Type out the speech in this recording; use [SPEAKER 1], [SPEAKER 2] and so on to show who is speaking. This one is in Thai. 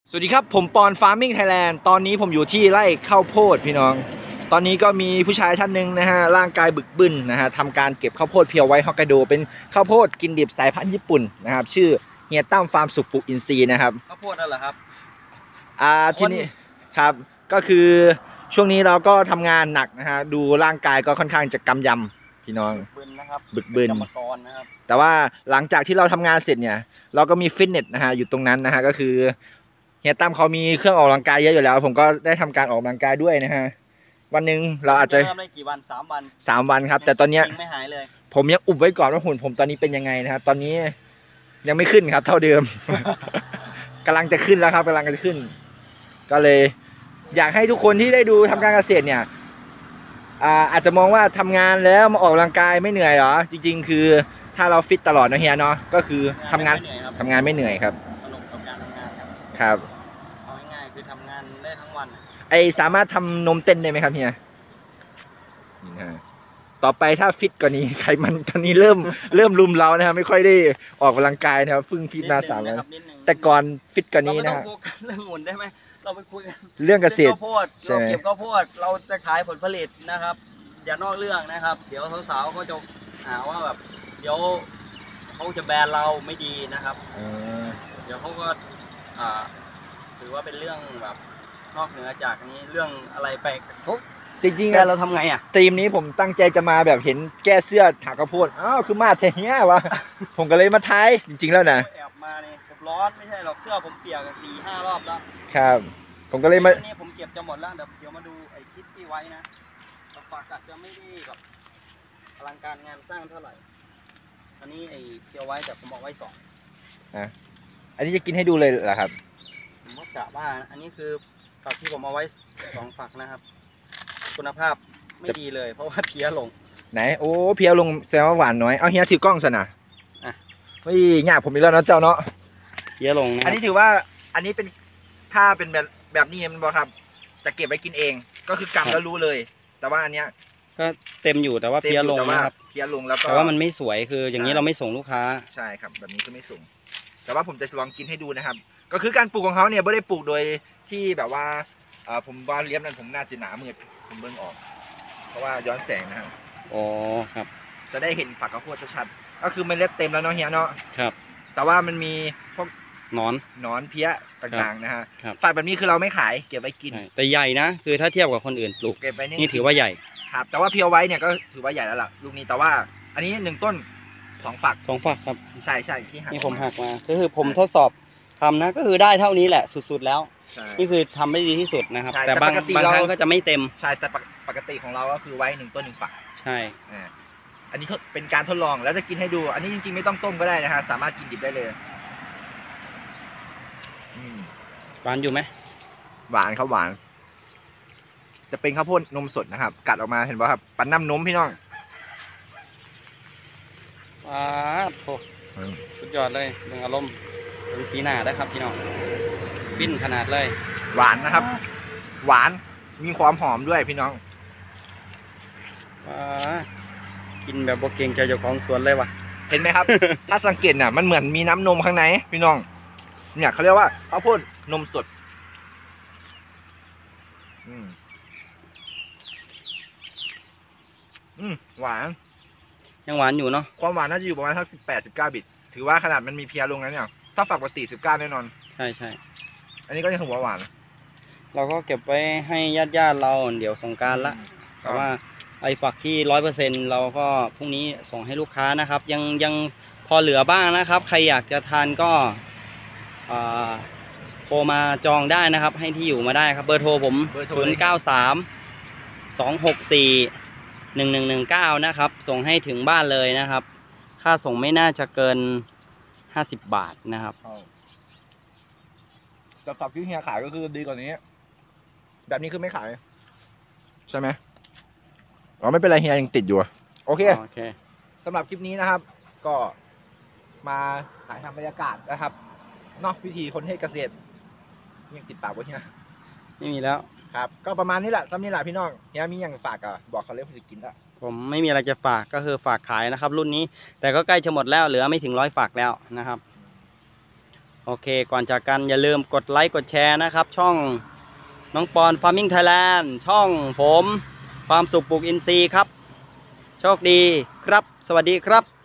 [SPEAKER 1] สวัสดีครับผมปอนฟาร์มมิ่งไทยแลนด์ตอนนี้ผมอยู่ที่ไร่ข้าวโพดพี่น้องตอนนี้ก็มีผู้ชายท่านหนึ่งนะฮะร่างกายบึกบึนนะฮะทำการเก็บข้าวโพดเพียวไว้ฮอกไกโดเป็นข้าวโพดกินดิบสายพันธุ์ญี่ปุ่นนะครับชื่อเฮียตั้มฟาร์มสุขปลูกอินทรีย์นะครับ
[SPEAKER 2] ข้าวโพดนั่นเหรอครับ
[SPEAKER 1] ที่นี่ครับก็คือช่วงนี้เราก็ทำงานหนักนะฮะดูร่างกายก็ค่อนข้างจะกำยำพี่น้อง
[SPEAKER 2] บึนนะครับ
[SPEAKER 1] บึกบึน
[SPEAKER 2] กรรมกรนะครับ
[SPEAKER 1] แต่ว่าหลังจากที่เราทำงานเสร็จเนี่ยเราก็มีฟิตเนสนะฮะอยู่ตรงนั้นนะฮะก็คือเฮียตั้มเขามีเครื่องออกกำลังกายเยอะอยู่แล้วผมก็ได้ทำการออกกำลังกายด้วยนะฮะวันหนึ่งเราอาจจะ
[SPEAKER 2] เริ่มได้กี่วัน3 วัน
[SPEAKER 1] ครับแต่ตอนเนี้ย
[SPEAKER 2] ไม่หายเลย
[SPEAKER 1] ผมยังอุบไว้ก่อนว่าหุ่นผมตอนนี้เป็นยังไงนะครับตอนนี้ยังไม่ขึ้นครับเท่าเดิม กำลังจะขึ้นแล้วครับกำลังจะขึ้น ก็เลยอยากให้ทุกคนที่ได้ดูทำการเกษตรเนี่ยอาจจะมองว่าทำงานแล้วมาออกกำลังกายไม่เหนื่อยเหรอจริงๆคือถ้าเราฟิตตลอดนะเฮียเนาะก็คือทำงานไม่เหนื่อยครับ
[SPEAKER 2] สนุกกับการทำงาน
[SPEAKER 1] ครับ
[SPEAKER 2] เอาง่ายๆคือทำงานได้ทั้งวัน
[SPEAKER 1] สามารถทำนมเต้นได้ไหมครับเฮียต่อไปถ้าฟิตกว่านี้ไขมันตอนนี้เริ่มรุมเรานะครับไม่ค่อยได้ออกกำลังกายนะครับฟึ่งฟิตมา3 วันแต่ก่อนฟิตกว่านี้นะ
[SPEAKER 2] เราไม่ต้องโฟกัสเรื่องหุ่นได้ไหมเราไปคุยกัน
[SPEAKER 1] เรื่องเกษตร
[SPEAKER 2] ข้าวโพดเราเก็บข้าวโพดเราจะขายผลผลิตนะครับอย่านอกเรื่องนะครับเดี๋ยวสาวๆเขาจะหาว่าแบบเดี๋ยวเขาจะแบนเราไม่ดีนะครับเดี๋ยวเขาก็ถือว่าเป็นเรื่องแบบนอกเหนือจากนี้เรื่องอะไรไป
[SPEAKER 1] จริง
[SPEAKER 2] ๆเราทำไง
[SPEAKER 1] ทีมนี้ผมตั้งใจจะมาแบบเห็นแก้เสื้อถากข้าวโพดอ้าวคือมาแท้เนี้ยวะ ผมก็เลยมาทายจริงๆแล้วนะ
[SPEAKER 2] แอบมาเนี่ยผมร้อนไม่ใช่หรอกเสื้อผมเปียก4-5 รอบแล้ว
[SPEAKER 1] ครับผมก็เลยมา
[SPEAKER 2] นี่ผมเก็บจะหมดแล้วเดี๋ยวมาดูไอ้คิดที่ไว้นะฝากกัดจะไม่ได้แบบอลังการงานสร้างเท่าไหร่อันนี้ไอ้เกี่ยวไว้แต่ผมบอกไว้2
[SPEAKER 1] อันนี้จะกินให้ดูเลยเหรอครับ
[SPEAKER 2] ผมก็กะว่าอันนี้คือฝักที่ผมเอาไว้2 ฝักนะครับคุณภาพไม่ดีเลยเพราะว่าเพี้ยลง
[SPEAKER 1] ไหนโอ้เพี้ยลงแซวหวานน้อยเอาเฮียถือกล้องซะนะไม่ยากผมอีกแล้วนะเจ้าเนาะ
[SPEAKER 2] เพี้ยลงนะ
[SPEAKER 1] อันนี้ถือว่าอันนี้เป็นถ้าเป็นแบบนี้มันบอกครับจะเก็บไว้กินเองก็คือกำแล้วรู้เลยแต่ว่าอันเนี้ย
[SPEAKER 2] ก็เต็มอยู่แต่ว่าเพี้ยลงนะครับ
[SPEAKER 1] เพี้ยลงแล้วก็
[SPEAKER 2] แต่ว่ามันไม่สวยคืออย่างนี้เราไม่ส่งลูกค้า
[SPEAKER 1] ใช่ครับแบบนี้คือไม่ส่งแต่ว่าผมจะลองกินให้ดูนะครับก็คือการปลูกของเขาเนี่ยไม่ได้ปลูกโดยที่แบบว่าผมว่าเลี้ยงนั้นผมน่าจะหนามืดผมเบิ่งออกเพราะว่าย้อนแสงนะครับ
[SPEAKER 2] อ๋อครับ
[SPEAKER 1] จะได้เห็นฝักข้าวโพดชัดๆก็คือเมล็ดเต็มแล้วเนาะเฮียเนาะ
[SPEAKER 2] ครับ
[SPEAKER 1] แต่ว่ามันมีพวกหนอนเพี้ยต่างๆนะฮะฝักแบบนี้คือเราไม่ขายเก็บไว้กิน
[SPEAKER 2] แต่ใหญ่นะคือถ้าเทียบกับคนอื่นปลูก
[SPEAKER 1] เก็บไว้
[SPEAKER 2] นี่ถือว่าใหญ่
[SPEAKER 1] ครับแต่ว่าเพียวไว้เนี่ยก็ถือว่าใหญ่แล้วล่ะลูกนี้แต่ว่าอันนี้1 ต้น2 ฝัก
[SPEAKER 2] ครับ
[SPEAKER 1] ใช่ที่หัก
[SPEAKER 2] นี่ผมหักมาก็คือผมทดสอบทำนะก็คือได้เท่านี้แหละสุดๆแล้วนี่คือทำได้ดีที่สุดนะครับแต่บางครั้งก็จะไม่เต็ม
[SPEAKER 1] ใช่แต่ปกติของเราก็คือไว้1 ต้น 1 ฝัก
[SPEAKER 2] ใช่
[SPEAKER 1] อันนี้เป็นการทดลองแล้วจะกินให้ดูอันนี้จริงๆไม่ต้องต้มก็ได้นะฮะสามารถกินดิบได้เลย
[SPEAKER 2] หวานอยู่ไหม
[SPEAKER 1] หวานครับหวานจะเป็นข้าวโพดนมสดนะครับกัดออกมาเห็นป่ะครับปั่นน้ำนมพี่น้อง
[SPEAKER 2] โอ้สุดยอดเลยเรื่องอารมณ์เป็นสีหน้าได้ครับพี่น้องปิ้นขนาดเลย
[SPEAKER 1] หวานนะครับหวานมีความหอมด้วยพี่น้อง
[SPEAKER 2] กินแบบโบเกงใจเจ้าของสวนเลยว่ะ
[SPEAKER 1] เห็นไหมครับ ถ้าสังเกตเนี่ยมันเหมือนมีน้ำนมข้างในพี่น้องเนี่ยเขาเรียกว่าข้าวโพดนมสดหวาน
[SPEAKER 2] ยังหวานอยู่เนาะ
[SPEAKER 1] ความหวานน่าจะอยู่ประมาณสัก18-19 บิตถือว่าขนาดมันมีเพียลงแล้วเนี่ยถ้าฝักปกติ19แน่นอน
[SPEAKER 2] ใช่
[SPEAKER 1] อันนี้ก็ยังถือว่าหวาน
[SPEAKER 2] เราก็เก็บไว้ให้ญาติเราเดี๋ยวสงกรานต์ละแต่ว่าไอ้ฝักที่100%เราก็พรุ่งนี้ส่งให้ลูกค้านะครับยังพอเหลือบ้างนะครับใครอยากจะทานก็โทรมาจองได้นะครับให้ที่อยู่มาได้ครับเบอร์โทรผม0932641119นะครับส่งให้ถึงบ้านเลยนะครับค่าส่งไม่น่าจะเกิน50 บาทนะครับ
[SPEAKER 1] แต่ฝักที่เฮียขายก็คือดีกว่านี้แบบนี้คือไม่ขายใช่ไหมไม่เป็นไรเฮียยังติดอยู่โอเคสำหรับคลิปนี้นะครับก็มาถ่ายทำบรรยากาศนะครับนอกวิธีคนให้เกษตรยังติดปากวะเฮีย
[SPEAKER 2] ไม่มีแล้ว
[SPEAKER 1] ครับก็ประมาณนี้แหละซ้ำนี่แหละพี่น้องเฮียมีอย่างฝากบอกเขาเลยผมจะกินละ
[SPEAKER 2] ผมไม่มีอะไรจะฝากก็คือฝากขายนะครับรุ่นนี้แต่ก็ใกล้จะหมดแล้วเหลือไม่ถึง100 ฝักแล้วนะครับโอเคก่อนจากกันอย่าลืมกดไลค์กดแชร์นะครับ ช่องน้องปอน Farming Thailand ช่องผมความสุขปลูกอินทรีย์ครับโชคดีครับสวัสดีครับ